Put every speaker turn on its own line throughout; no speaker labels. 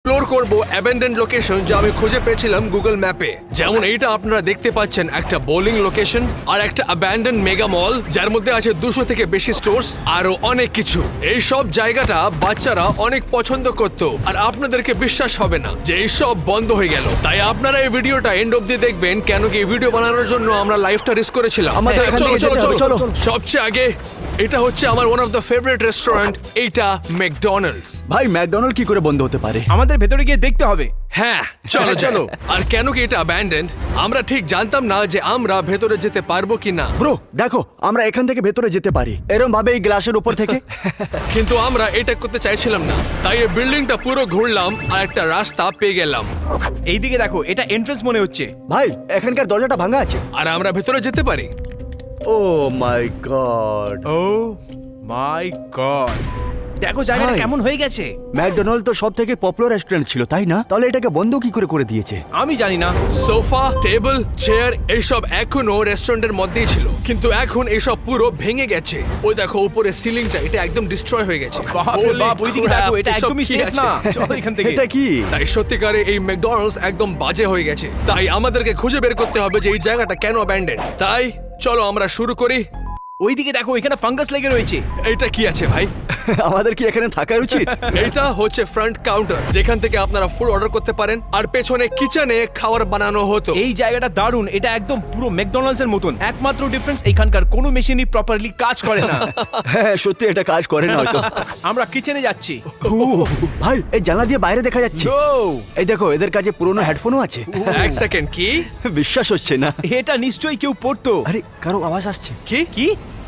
Explore করব abandoned location যা আমি খুঁজে পেয়েছিলাম গুগল ম্যাপে। যেমন এইটা আপনারা দেখতে পাচ্ছেন, একটা বোলিং লোকেশন আর একটা অ্যাবেন্ডেন্ড মেগা মল যার মধ্যে আছে 200 থেকে বেশি স্টোরস আরো অনেক কিছু। এই সব জায়গাটা বাচ্চারা অনেক পছন্দ করত, আর আপনাদেরকে বিশ্বাস হবে না যে এই সব বন্ধ হয়ে গেল। তাই আপনারা এই ভিডিওটা এন্ড অবধি দেখবেন, কেন কি এই ভিডিও বানানোর জন্য আমরা লাইফটা রিস্ক করেছিলাম। চলো চলো চলো চলো। সবচেয়ে আগে এটা হচ্ছে আমার one of the favourite restaurant, এইটা ম্যাকডোনাল্ডস।
ভাই ম্যাকডোনাল্ড কি করে বন্ধ হতে পারে?
আমাদের ভেতরে গিয়ে দেখতে হবে।
হ্যাঁ চলো চলো। আর কেন কি এটা অ্যাবান্ডেন্ড আমরা ঠিক জানতাম না যে আমরা ভেতরে যেতে পারবো কি না।
ব্রো দেখো, আমরা এখান থেকে ভেতরে যেতে পারি এরকম ভাবে এই গ্লাসের উপর থেকে।
কিন্তু আমরা এটা করতে চাইছিলাম না, তাই এই বিল্ডিংটা পুরো ঘুরলাম আর একটা রাস্তা পেয়ে গেলাম।
এইদিকে দেখো, এটা এন্ট্রান্স মনে হচ্ছে।
ভাই এখানকার দরজাটা ভাঙা আছে।
আর আমরা ভেতরে যেতে পারি।
ও মাই গড,
ও মাই গড, দেখো জায়গাটা
ভাই।
কেমন হয়ে গেছে।
ম্যাকডোনাল্ড তো সব থেকে পপুলার রেস্টুরেন্ট ছিল, তাই না? তাহলে এটাকে বন্ধ কি করে দিয়েছে?
আমি জানি না।
সোফা, টেবিল, চেয়ার এইসব এখনো রেস্টুরেন্টের মধ্যেই ছিল, কিন্তু এখন এইসব পুরো ভেঙে গেছে। ওই দেখো উপরে সিলিংটা, এটা একদম ডিস্ট্রয় হয়ে গেছে।
বাপ রে বাপ, ওইদিকে দেখো, এটা
এসব
একদমই
কি
সেফ
আছে?
না। চলো এখান থেকে।
এটা কি?
তাই সত্যিকারে এই ম্যাকডোনাল্ডস একদম বাজে হয়ে গেছে। তাই আমাদেরকে খুঁজে বের করতে হবে যে এই জায়গাটা কেন অ্যাবান্ডেন্ড। তাই চলো আমরা শুরু করি।
ওইদিকে দেখো, এখানে ফাঙ্গাস লেগে রয়েছে।
এইটা কি আছে ভাই?
আমাদের কি এখানে থাকা উচিত?
এটা হচ্ছে ফ্রন্ট কাউন্টার, যেখান থেকে আপনারা ফুড অর্ডার করতে পারেন, আর পেছনে কিচেনে খাবার বানানো হতো।
এই জায়গাটা দারুণ, এটা একদম পুরো ম্যাকডোনাল্ডস এর মতন। একমাত্র ডিফারেন্স, এখানকার কোনো মেশিনই প্রপারলি কাজ করে না।
হ্যাঁ সত্যি এটা কাজ করে না হয়তো।
আমরা কিচেনে যাচ্ছি।
ভাই এই জানলা দিয়ে বাইরে দেখা যাচ্ছে।
ও,
এই দেখো, এদের কাছে পুরনো হেডফোনও আছে।
এক সেকেন্ড, কি
বিশ্বাস হচ্ছে না।
এটা নিশ্চয়ই কেউ পড়তো।
আরে কারো আওয়াজ আসছে।
কি
কি?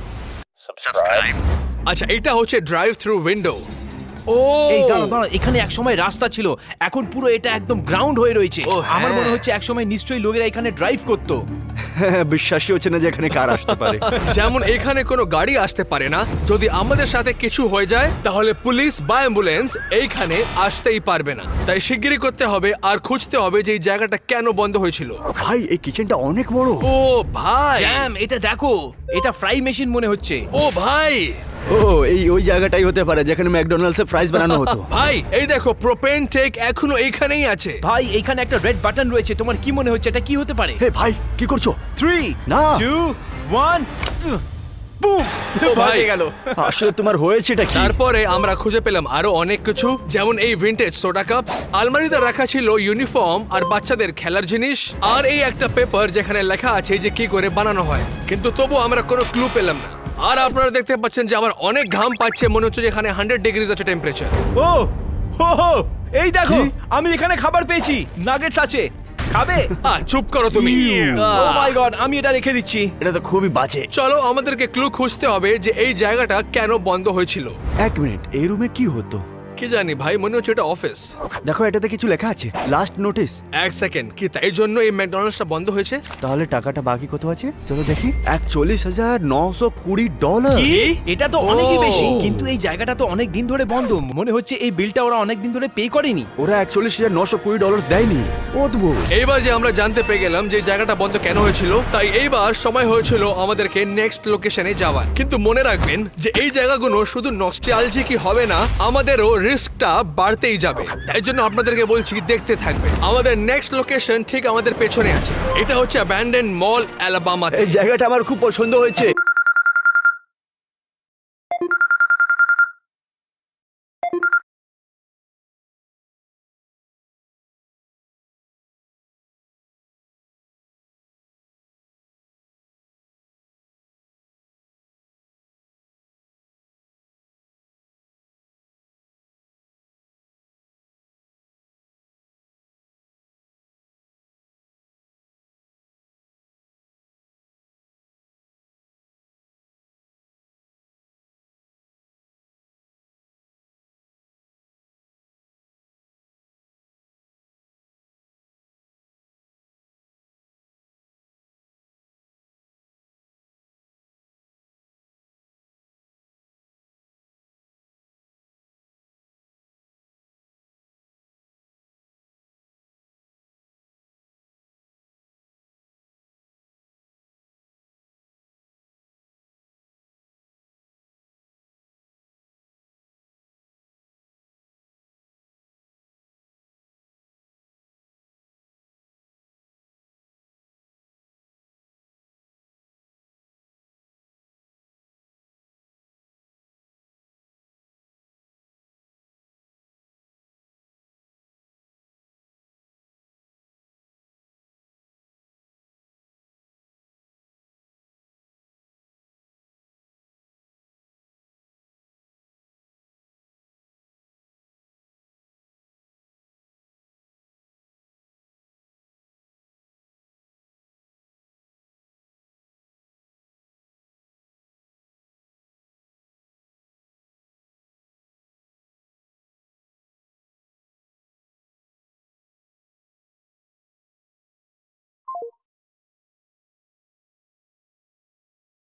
আচ্ছা, এটা হচ্ছে ড্রাইভ থ্রু উইন্ডো। ও
এই দাঁড়াও দাঁড়াও, এখানে একসময় রাস্তা ছিল, এখন পুরো এটা একদম গ্রাউন্ড হয়ে রয়েছে।
ও, হ্যাঁ।
আমার মনে হচ্ছে একসময় নিশ্চয়ই লোকেরা এখানে ড্রাইভ করতো।
বিশ্বাসই হচ্ছে না যে এখানে কার আসতে পারে।
যেমন এখানে কোনো গাড়ি আসতে পারে না, যদি আমাদের সাথে কিছু হয়ে যায় তাহলে পুলিশ বা অ্যাম্বুলেন্স এইখানে আসতেই পারবে না। তাই শিগগিরই করতে হবে আর খুঁজতে হবে যে এই জায়গাটা কেন বন্ধ হয়েছিল।
ভাই এই কিচেনটা অনেক বড়।
ও ভাই,
জ্যাম, এটা দেখো, এটা ফ্রাই মেশিন মনে হচ্ছে।
ও ভাই,
ও এই ওই জায়গাটাই হতে পারে যেখানে ম্যাকডোনাল্ডস এর ফ্রাইজ বানানো হতো।
ভাই এই দেখো, প্রোপেন টেক এখনো এইখানেই আছে।
ভাই এখানে একটা রেড বাটন রয়েছে, তোমার কি মনে হচ্ছে এটা কি হতে পারে?
হে ভাই কি করছো?
3
না।
2 1 বুম,
ও ভাই।
ভাই গেল।
আসলে তোমার হয়েছেটা কি?
তারপরে আমরা খুঁজে পেলাম আরো অনেক কিছু, যেমন এই ভিনটেজ সোডা কাপ, আলমারিতে রাখা ছিল ইউনিফর্ম আর বাচ্চাদের খেলার জিনিস, আর এই একটা পেপার যেখানে লেখা আছে যে কি করে বানানো হয়। কিন্তু তবু আমরা কোনো ক্লু পেলাম না। আর আপনারা দেখতে পাচ্ছেন যে আমার অনেক ঘাম পাচ্ছে, মনে হচ্ছে যে এখানে 100 ডিগ্রিজ আছে টেম্পারেচার।
ও হো হো, এই দেখো,
কি?
আমি এখানে খাবার পেয়েছি, নাগেটস আছে, খাবে?
চুপ করো তুমি।
ও মাই গড, আমি এটা রেখে দিচ্ছি।
এটা তো খুবই বাজে।
চলো আমাদেরকে ক্লু খুঁজতে হবে যে এই জায়গাটা কেন বন্ধ হয়েছিল।
এক মিনিট, এই রুমে কি হতো?
কি জানি ভাই, মনে হচ্ছে এটা অফিস।
দেখো এটাতে কিছু লেখা আছে, লাস্ট নোটিস।
এক সেকেন্ড, কি তাই জন্য এই ম্যাকডোনাল্ডসটা বন্ধ হয়েছে?
তাহলে টাকাটা বাকি কত আছে চলো দেখি। $41,920।
কি?
এটা তো অনেকই
ও।
বেশি, কিন্তু এই জায়গাটা তো অনেক দিন ধরে বন্ধ। মনে হচ্ছে এই বিলটা ওরা অনেক দিন ধরে পে করেনি।
ওরা $41,920 দেয়নি। অদ্ভুত।
এইবার যে আমরা জানতে পেরে গেলাম যে জায়গাটা বন্ধ কেন হয়েছিল, তাই এইবার সময় হয়েছিল আমাদেরকে নেক্সট লোকেশনে যাওয়ার। কিন্তু মনে রাখবেন যে এই জায়গাগুলো শুধু নস্টালজিকই হবে না, আমাদেরও রিস্কটা বাড়তেই যাবে। তাই জন্য আপনাদেরকে বলছি দেখতে থাকবে। আমাদের নেক্সট লোকেশন ঠিক আমাদের পেছনে আছে। এটা হচ্ছে অ্যাবান্ডেন্ড মল, অ্যালাবামা।
এই জায়গাটা আমার খুব পছন্দ হয়েছে।